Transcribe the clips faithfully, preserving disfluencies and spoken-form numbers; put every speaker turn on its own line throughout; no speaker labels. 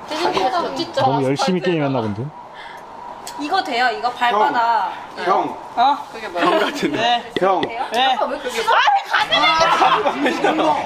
진짜
너무 열심히 게임했나 본데.
이거 돼요? 이거 발바닥.
형.
어?
그게 뭐야?
형 같은데.
네.
형.
네.
왜 그게 뭐야?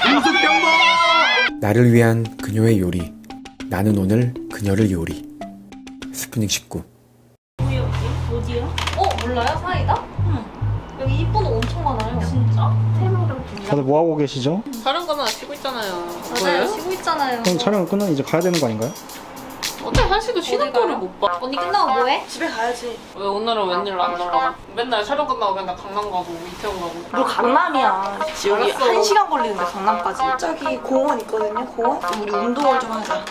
나를 위한 그녀의 요리. 나는 오늘 그녀를 요리. 스푸닉 십구.
뭐야 이게? 어디야?
어 몰라요? 사이다? 응. 여기 이쁜 옷 엄청 많아요. 진짜?
다들 뭐 하고 계시죠?
다른 거만 쉬고 있잖아요.
맞아요. 쉬고 있잖아요.
그럼 촬영을 끝나면 이제 가야 되는 거 아닌가요?
어때 한시도 쉬는 거를 못 봐.
언니 끝나고 뭐해?
집에 가야지.
왜 오늘은 웬일 안 놀아? 맨날 촬영 끝나고 그냥 강남 가고 이태원 가고.
너 강남이야. 여기 한 시간 걸리는데 강남까지. 저기 공원 있거든요. 공원? 우리 운동을 좀 하자.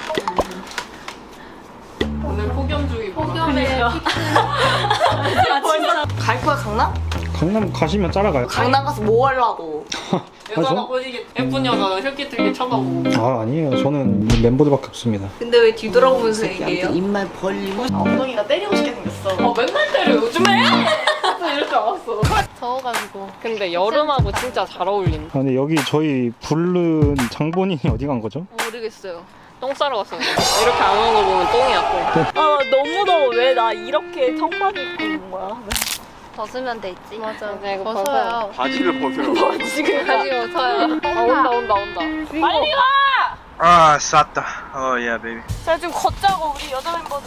오늘 폭염주의.
폭염에
아 진짜. 갈 거야 강남?
강남 가시면 따라가요.
강남 가서 뭐 하려고?
여자가
저?
보시기 예쁜 여자가 혈기 들게 쳐다보고.
아 아니에요. 저는 멤버들밖에 없습니다.
근데 왜 뒤돌아보면서 얘기해요?
입만 벌리고
엉덩이가 때리고 싶게 생겼어.
어 맨날 때려 요즘에. 이럴 줄 알았어.
더워가지고.
근데 여름하고 진짜 잘 어울린다.
아, 근데 여기 저희 부른 장본인이 어디 간 거죠?
모르겠어요. 똥 싸러 갔어. 이렇게 안 오는 거 보면 똥이야 똥.
아 너무 더워. 왜 나 이렇게 청바지 입고 있는 거야?
벗으면 되지. 맞아.
네, 이거
벗어요.
바지를 벗으라고.
지금
가지 벗어요. 아 온다 온다 온다.
빨리 가!
Ah, 쌌다. Oh yeah, baby.
자 좀 걷자고 우리 여자 멤버들.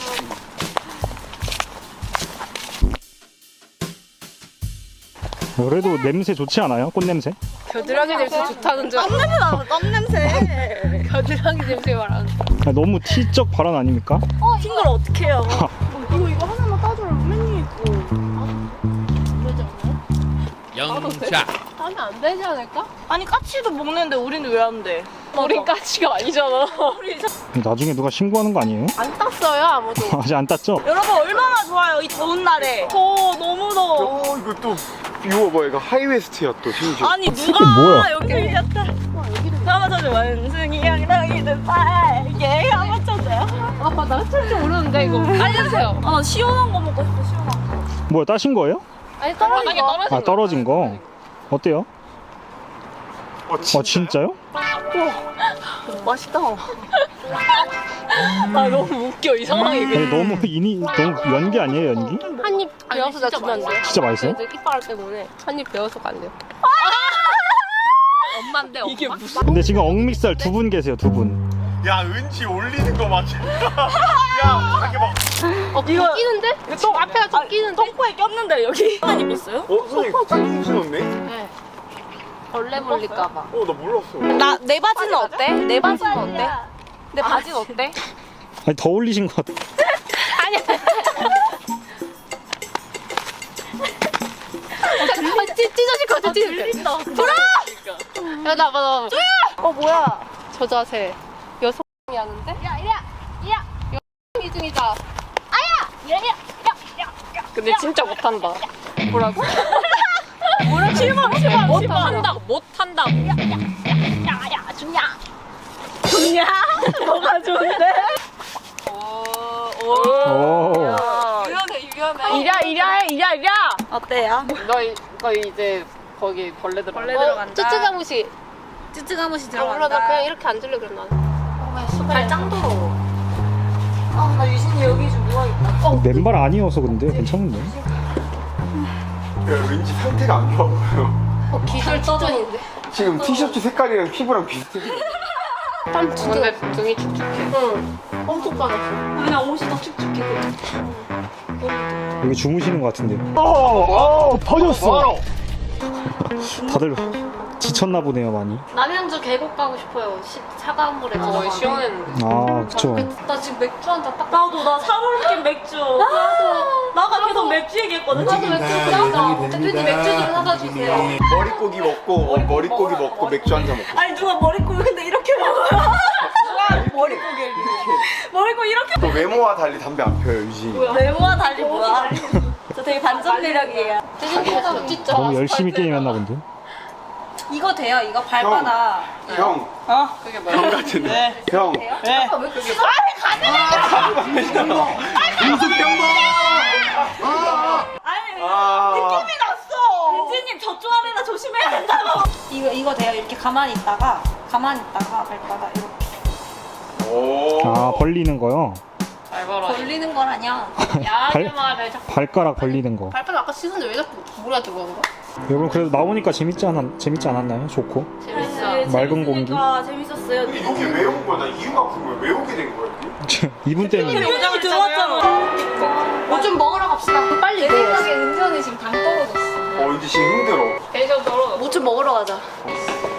그래도 냄새 좋지 않아요? 꽃 냄새?
겨드랑이 냄새 좋다는 줄.
땀 냄새 나는 땀 냄새.
겨드랑이 냄새 말하는.
아, 너무 티적 발언 아닙니까?
핑글 어떻게 해요? 이거 이거 하나만 따줘라. 맨니 있고.
영차.
하면 안 되지 않을까?
아니 까치도 먹는데 우리는 왜 안 돼?
우린 까치가 아니잖아.
나중에 누가 신고하는 거 아니에요?
안 땄어요 아무도.
아직 안 땄죠?
여러분 얼마나 좋아요 이 더운 날에. 더워 너무 더워.
어 이거 또 이거 뭐야 이거 하이웨스트야 또 심지어.
아니
새끼
누가
뭐야?
여기 밀렸다. 한번 쳐줘. 원숭이 양랑이는 빨개. 한번 쳐줘요.
아빠 나 찰줄 모르는데 이거 알려주세요.
아 나 시원한 거 먹고 싶어 시원한 거.
뭐야 따신 거예요?
아니 떨어진 거.
아 떨어진 거. 어때요?
어,
아 진짜요?
맛있다.
아 너무 웃겨 이 상황이.
아니, 너무 인이 너무 연기 아니에요 연기?
한입 배워서 나 주면 안 돼.
진짜 맛있어요?
이빨 때문에 한입 배워서 안 돼요. 엄마인데 엄마? 이게 무슨?
근데 지금 억믹살 두 분 계세요 두 분.
야 은지 올리는 거 맞지? 야 자기 막.
어 이거 끼는데? 똥 앞에가 좀 끼는데?
똥꼬에 꼈는데 여기. 한입 있어요?
어 선생님 갑자기 훔쳐놓네?
네. 벌레 물릴까봐.
어 나 몰랐어.
나 내 바지는 어때? 내 바지는 어때? 내 바지는 어때?
아니 더 올리신 것 같아.
아, 찢, 찢어질 것 같아, 찢어질 것 같아. 돌아! 야, 나, 봐, 나.
어 뭐야?
저 자세. 여성이 하는데? 야, 이리야! 이리야! 여성이 중이다. 아야! 이리야! 이리야! 이리야! 근데 진짜 못한다. 뭐라고?
뭐야? 실망 실망
못한다고, 못한다고.
야야 좋냐? 좋냐? 뭐가 좋은데?
오,
오.
유연해, 유연해.
이랴 이랴 이랴 이랴. 어때요?
너, 이- 너 이제 거기 벌레 들어간다.
벌레 들어간다.
쯔쯔가무시.
쯔쯔가무시
아, 몰라, 나 그냥 이렇게 앉을래, 그럼 나는.
발짱 더러워.
아나 유진이 여기 좀 누워 있다.
맨발 아니어서 근데 괜찮은데.
야 왠지 상태가 안 좋아 보여.
어, 기술 추천인데.
지금 티셔츠 색깔이랑 피부랑 비슷해.
땀 주는데 등이 축축해. 응. 엄청 빠졌어.
그냥 옷이 더 축축해.
여기 주무시는 것 같은데.
어 퍼졌어.
다들 지쳤나 보네요 많이.
남양주 계곡 가고 싶어요. 시, 차가운 물에
어,
들어가면.
시원했는데.
아 그쵸.
나 지금 맥주 한 잔 딱.
나도 나 사골킨 맥주. 나도 나가 계속 맥주 얘기했거든.
나도 맥주 끓였어. 대표님 맥주 좀 사다 주세요.
머릿고기 먹고 어, 머릿고기 먹고 맥주 한 잔 먹고.
아니 누가 머리꼬리 근데 이렇게 먹어요? 누가 머리꼬리를 머리꼬리 이렇게
또 외모와 달리 담배 안 펴요 유진이.
외모와 달리 뭐야? 저 되게 반전 매력이에요.
대표님 진짜.
너무 열심히 게임했나 본데.
이거 돼요? 이거 발바닥.
형.
어?
그게 뭐야?
형 같은데.
네.
형.
돼요?
네.
왜 그게
인수병마.
아니
아.
느낌이 났어. 유진님 저쪽 아래나 조심해야 된다고.
이거 이거 돼요? 이렇게 가만히 있다가 가만히 있다가 발바닥 이렇게.
오.
아 벌리는 거요?
잘 봐라.
걸리는 거라냐?
야하게
발-
말해. 자꾸
발가락 벌리는 거.
발바닥 아까 씻었는데 왜 자꾸 머리가 뜨거운 거야?
여러분 그래도 나오니까 재밌지 않았 재밌지 않았나요? 좋고
재밌어.
맑은 공기.
재밌었어요.
근데 여기 왜 온 거야? 나 이유가 궁금해. 왜 오게 된 거야 여기?
이분 때문에.
요정을 들어왔잖아.
뭐 좀 먹으러 갑시다. 빨리
내
내
생각에 은전이 지금 당 떨어졌어.
어 이제 지금 힘들어.
대전 떨어.
뭐 좀 먹으러 가자.